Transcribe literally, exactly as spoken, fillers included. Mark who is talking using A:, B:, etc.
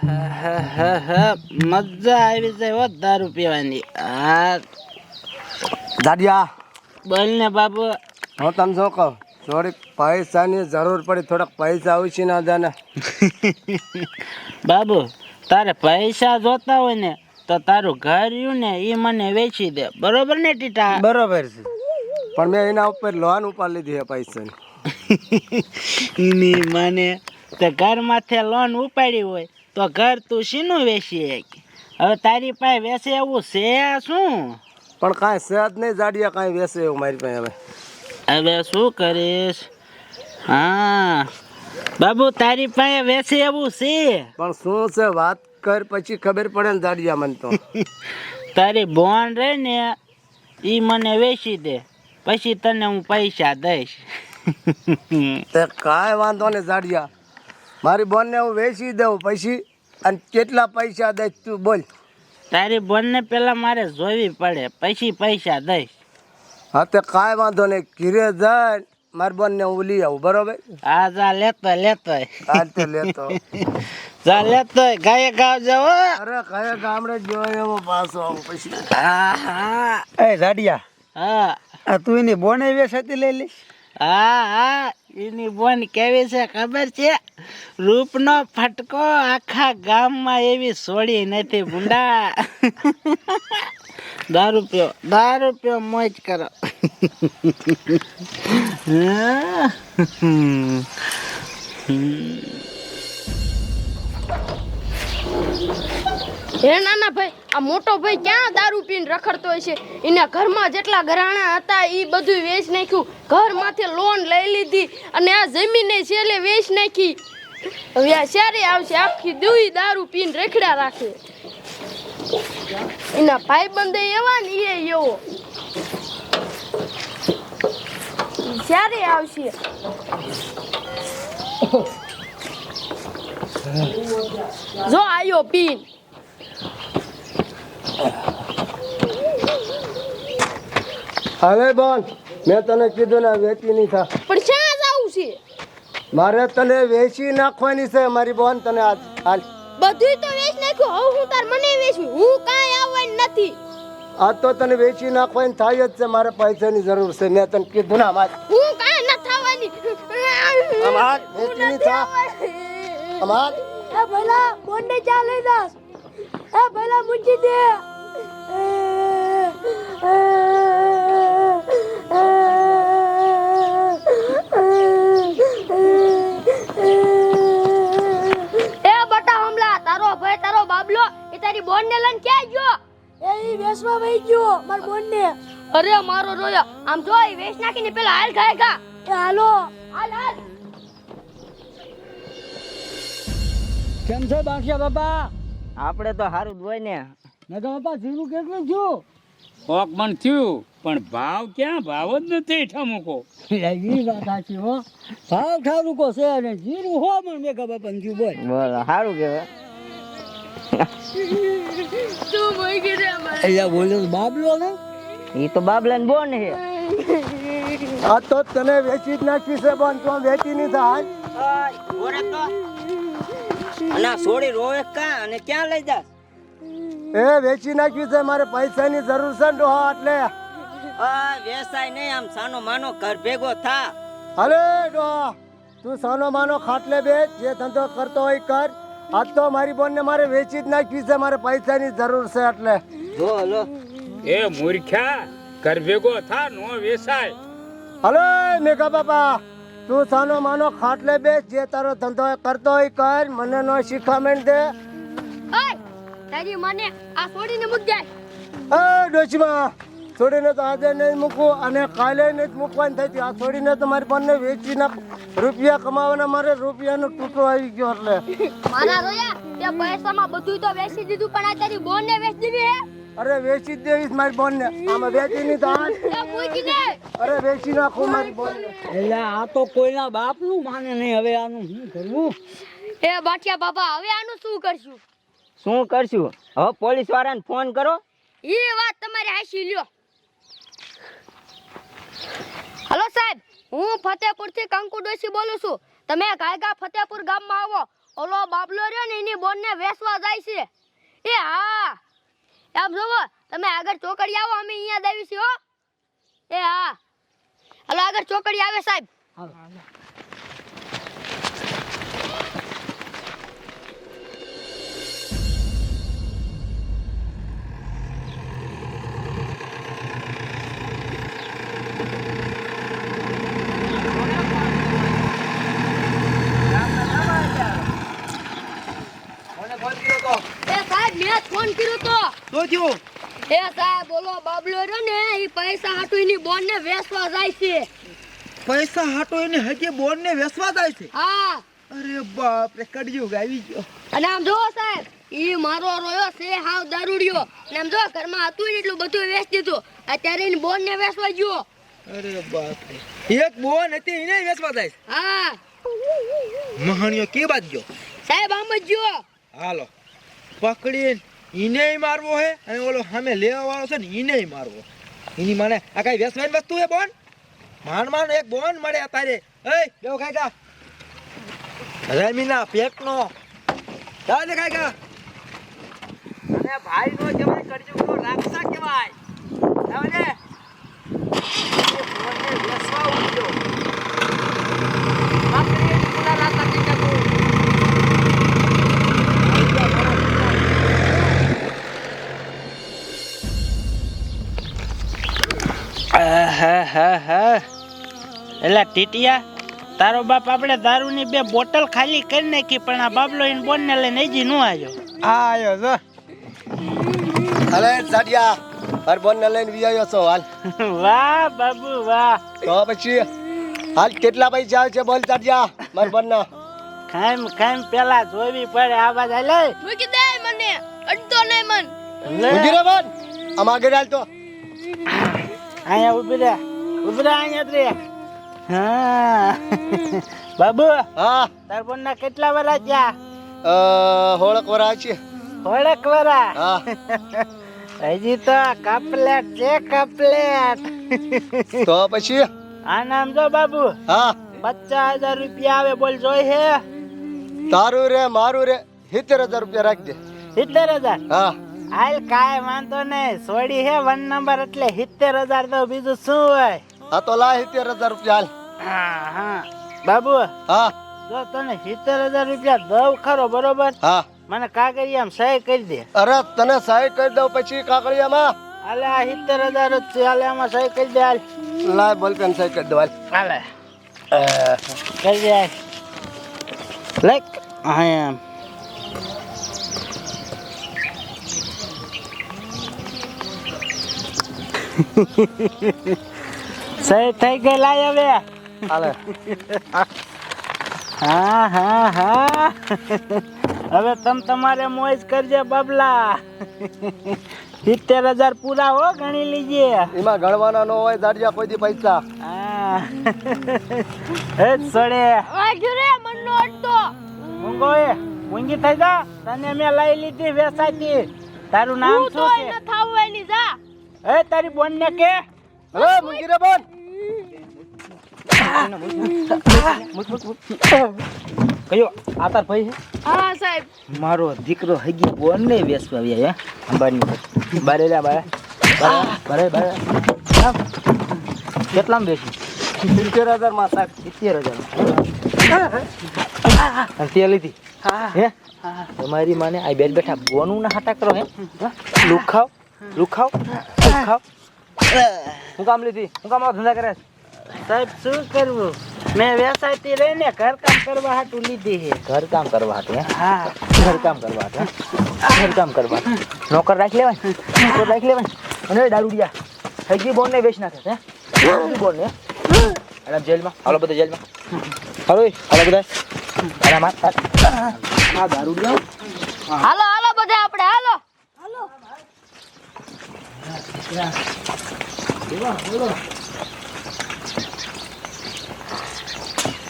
A: મજા આવી જાય હો દારૂ પીવાની. હા
B: દાડિયા
A: બોલ ને બાબુ.
B: હું તને શું કહું, થોડીક પૈસાની જરૂર પડી, થોડાક પૈસા આવશે ના જાને.
A: બાબુ તારે પૈસા જોતા હોય ને તો તારું ઘર રહ્યું ને એ મને વેચી દે, બરોબર ને ટીટા?
B: બરોબર છે, પણ મેં એના ઉપર લોન ઉપાડી લીધી છે પૈસાની.
A: એની મને તે ઘર માથે લોન ઉપાડી હોય તો ઘર તું શીનું વેચી? હવે તારી પાસે વેચે એવું છે શું?
B: પણ કાંઈ છે જ નહીં જાડિયા, કાંઈ વેસે એવું મારી પાસે. હવે
A: હવે શું કરીશ? હા બાબુ તારી પાસે વેચે એવું છે,
B: પણ શું છે વાત કર, પછી ખબર પડે ને જાડિયા મને તો.
A: તારી બોન રે ને એ મને વેચી દે, પછી તને હું પૈસા દઈશ.
B: તે કાંઈ વાંધો નહીં જાડિયા, મારી બોનને હું વેચી દઉં પછી, અને કેટલા પૈસા દઈશ તું બોલ.
A: તારી બોનને પેલા મારે જોવી પડે, પછી પૈસા દઈશ.
B: હા તે કાંઈ વાંધો નહીં, ઘીરે જાય મારી બોનને હું લઈ આવું, બરોબર?
A: હા જા લેતો લેતો
B: હાલ તે લેતો.
A: જા લેતો ગાયે ગાવ જાવ.
B: અરે કયા ગામડે જોયો એવો પાછો આવું પછી.
A: હા હા
C: એ જાડિયા,
A: હા
C: આ તું એની બોને વેસાતી લઈ લઈશ?
A: હા હા એની બોન કેવી છે ખબર છે? રૂપનો ફટકો આખા ગામમાં એવી સોડી નથી ભૂંડા. દારૂ પીઓ, દારૂ પીઓ, મોજ કરો.
D: હે નાના ભાઈ, આ મોટો ભાઈ ક્યાં દારૂ પીને રખડતો હોય છે? એના ઘરમાં જેટલા ઘરાણા હતા એ બધું વેચ નાખ્યું, ઘર માથે લોન લઈ લીધી અને આ જમીને છેલ્લે વેચ નાખી. હવે આ ક્યારે આવશે? આખી દુઈ દારૂ પીને રખડ્યા રાખે. એના ભાઈ બંધે એવા ને એ એવો. ક્યારે આવશે? જો આયો પીન.
B: હવે બોન મેં તને કીધું ને વેચી નહીં થા,
D: પણ ક્યાં જાવું છે?
B: મારે તને વેચી નાખવાની છે મારી બોન. તને આજ હાલ
D: બધુંય તો વેચ નાખ્યું, હવે હું તાર મને વેચવી? હું કાંઈ આવવાની નથી.
B: આ તો તને વેચી નાખવાની થાય જ છે, મારે પૈસાની જરૂર છે. મેં તને કીધું ને અમાર
D: હું કાંઈ ન થવાની.
B: અમાર વેચી નહીં થા અમાર.
D: એ ભલા બોનને ચા લઈ દાસ. એ ભલા મૂકી દે. એ બટા હમલા, તારો ભાઈ તારો બાબલો એ તારી બોનને લઈને ક્યાં ગયો? એ ઈ વેસવા વઈ ગયો માર બોનને. અરે મારો રોયા, આમ જો ઈ વેચ નાખીને પેલા હાલ ખાય ખા. એ હાલો હાલ હાલ.
C: કેમ છો બાંખિયા બાપા?
A: આપણે તો સારું જ હોય ને.
C: નગર બાપા જીરું કેટલું થયું?
E: કોક મન થયું, પણ ભાવ ક્યાં? ભાવ જ નથી ઠામુકો.
C: એ વાત સાચી હો, ભાવ ઠારુકો છે અને જીરું હો પણ મેઘા બાપા થયું. બોલ
A: બોલો સારું કહેવાય.
D: તું મોઈ ગઈ અમારે.
C: અહીંયા બોલ્યો તો બાબલો ને,
A: એ તો બાબલા ને બોન છે.
B: આ તો તને વેચી જ નાખી છે બોન, તું વેચી નહીં થા હાલ.
A: અને સોડી રોવે કા અને ક્યાં લઈ જા?
B: એ વેચી નાખ્યું છે, મારે પૈસાની જરૂર છે ને ડોહા, એટલે
A: આ વેસાય નહીં, આમ સાનો માનો ઘર ભેગો થા.
B: અરે ડોહા તું સાનો માનો ખાટલે બેસ, જે ધંધો કરતો હોય કર. આજ તો મારી બોનને મારે વેચી જ નાખી છે, મારે પૈસાની જરૂર છે એટલે.
A: જો હલો
E: એ મૂર્ખ્યા, ઘર ભેગો થા, નો વેસાય.
B: હલો મેઘા બાપા, તું સાનો માનો ખાટલે બેસ, જે તારો ધંધો કરતો હોય કર, મને નો શીખામણ દે.
D: ઓય તારી મને આ છોડીને મૂક જાય.
B: એ ડોશીમાં છોડીને તો આજે નહીં મૂકવું અને કાલે નહીં મૂકવાની થઈ. આ છોડીને તો મારી બોનને વેચી નાખ, રૂપિયા કમાવાના મારે રૂપિયાનો ટૂટો આવી ગયો એટલે.
D: મારા રોયા, તે પૈસામાં બધું તો વેચી દીધું, પણ આ તારી બોનને વેચી દીધી હે.
B: અરે વેચી જ દેવીશ મારી બોનને, આમાં વેચી નહીં થાય.
D: એ મૂકી દે.
B: અરે વેચી નાખું મારી બોનને.
C: એટલે આ તો કોઈના બાપનું માને નહીં. હવે આનું શું કરવું?
D: એ બાટિયા બાપા, હવે આનું શું કરશું?
A: શું કરશું? હવે પોલીસ વાળાને ફોન કરો.
D: એ વાત તમારી હાચી લ્યો. હલો સાહેબ, હું ફતેપુર થી કંકુ ડોશી બોલું છું. તમે ગાયગા ફતેપુર ગામમાં આવો. ઓલો બાબલો રહ્યો ને એની બોન ને વેસવા જાય છે. એ હા આમ જોવો તમે આગળ ચોકડી આવો અમે અહીંયા જ આવી છીએ હો. એ હા હાલો આગળ ચોકડી આવે સાહેબ. એ સાહેબ મેં જ ફોન કર્યો તો.
B: શું થયું?
D: એ સાહેબ બોલો બાબલો રહ્યો ને એ પૈસા હાટુ એની બોન ને વેસવા જાય છે.
B: પૈસા હાટો એને હજી બોન ને વેસવા જાય છે?
D: હા
B: અરે બાપ રે, કડિયુગ આવી ગયો.
D: અને આમ જો સાહેબ ઈ મારો રોયો છે હાવ દારૂડિયો. અને આમ જો ઘરમાં હતું ને એટલું બધું વેચ દીધું. અત્યારે એની બોન ને વેસવા ગયો.
B: અરે બાપ રે, એક બોન હતી એને વેસવા જાય છે?
D: હા
B: મહાણિયો કે બાદ ગયો?
D: સાહેબ આમ જ ગયો.
B: હાલો પકડીને ઈને મારવો હે અને ઓલો સામે લેવા વાળો છે ને ઈને મારવો. એની માને આ કઈ વેસવાની વસ્તુ હે બોન? માન માન એક બોન મળે તારે. એ દેવ કાકા રમીના પેટનો ચાલે કાકા.
A: અને ભાઈ નો કહેવાય કરજો તો રાખસા કહેવાય. હવે એ ફોનને વેસવા ઉઠ્યો. બાપરે પુરા રાતા કે કો એલા ટીટિયા તારો બાપ આપણે દારૂની બે બોટલ ખાલી કરી નાખી પણ આ બાબલો એને બોન ને લઈને હજી નો આવ્યો.
B: આયો જો. અરે સાડિયા હર બોન ને લઈને વિયાયો છો હાલ.
A: વાહ બાબુ વાહ.
B: તો પછી હાલ કેટલા પૈસા આવે છે બોલ સાડિયા માર બોન ના?
A: ખાઈમ ખાઈમ પેલા જોવી પડે આવાજ હાલે.
D: મૂકી દે મને અડતો નહીં મન.
B: ઉભી રે બોન આમ આગળ હાલ તો.
A: અહીંયા ઉભી રે ઉભી રે અહીંયા જ રે. હા બાબુ
B: હા
A: તાર બોન ના કેટલા વરા ગયા?
B: અ હોળક વરા છે.
A: થોડાક વરા?
B: હા
A: હજી તો કપલેટ છે કપલેટ.
B: તો પછી
A: આ નામ જો બાબુ
B: હા
A: પચાસ હજાર રૂપિયા આવે બોલ જોઈ હે?
B: તારું રે મારું રે સિત્તેર હજાર રૂપિયા રાખજે.
A: સિત્તેર હજાર?
B: હા
A: હાલ કાંઈ વાંધો નહીં. સોડી હે વન નંબર એટલે સિત્તેર હજાર તો બીજું શું હોય.
B: આ તો લા સિત્તેર હજાર રૂપિયા હાલ.
A: હા હા બાબુ
B: હા
A: જો તને સિત્તેર હજાર રૂપિયા દઉં ખરો બરોબર?
B: હા
A: મને કાગળિયામાં સહી કરી દે.
B: અરે તને સહાય કરી દઉં પછી કાકડિયામાં.
A: હાલે આ સિત્તેર હજાર જ છે હાલે આમાં સહી કરી દે હાલ.
B: લાય બોલપેન સહાય કરી દઉં હાલ.
A: હાલે કરી દે હાલ. લાઈક હા એમ સહી થઈ ગઈ લાય હવે.
B: હાલે
A: હા હા હા હવે તમ તમારે મોજ કરજે બાબલા. સિત્તેર હજાર પૂરા હો ગણી લીજે.
B: એમાં ગણવાના ન હોય દાડિયા કોઈ દી પૈસા.
A: હા એ જ સોડે
D: વાગ્યો રે મન નો અડતો.
A: ઊંઘો એ ઊંઘી થઈ જા. તને મેં લઈ લીધી વેસાતી. તારું નામ
D: તું તો
A: શું છે?
D: ન થાવવાની જા.
A: એ તારી બોન ને કે
B: હલો મુંગી રે બોન.
A: કયો આ તાર ભાઈ છે?
D: હા સાહેબ
A: મારો દીકરો હગી બોન ને વેસવા આવ્યા હે અંબાની બારે લે બારે બારે બારે કેટલામાં બેસી?
B: સિત્તેર હજાર માં સાહેબ.
A: સિત્તેર હજાર અને તે લીધી હે? તમારી માને આ બેઠ બેઠા બોનું ના હાટા કરો હે? લુખાવ લુખાવ લુખાવ
B: હું કામ લીધી? હું કામ આવા ધંધા કરે?
A: સાહેબ શું કરવું? મેં વેસાયતી રહીને ઘર કામ કરવા હાટું લીધી છે.
C: ઘર કામ કરવા હાટું હે?
A: હા
C: ઘર કામ કરવા હાટું હે? ઘર કામ કરવા હાટું. નોકર રાખી લેવાય નોકર રાખી લેવાય. અને દારૂડિયા હજી બોન ને વેચ નાખે છે હે? બોન ને અને જેલમાં હાલો બધા જેલમાં હાલો એ, હાલો બધા અરે માર આ દારૂડિયા
D: હાલો હાલો બધા આપણે હાલો હાલો
C: બોલો બોલો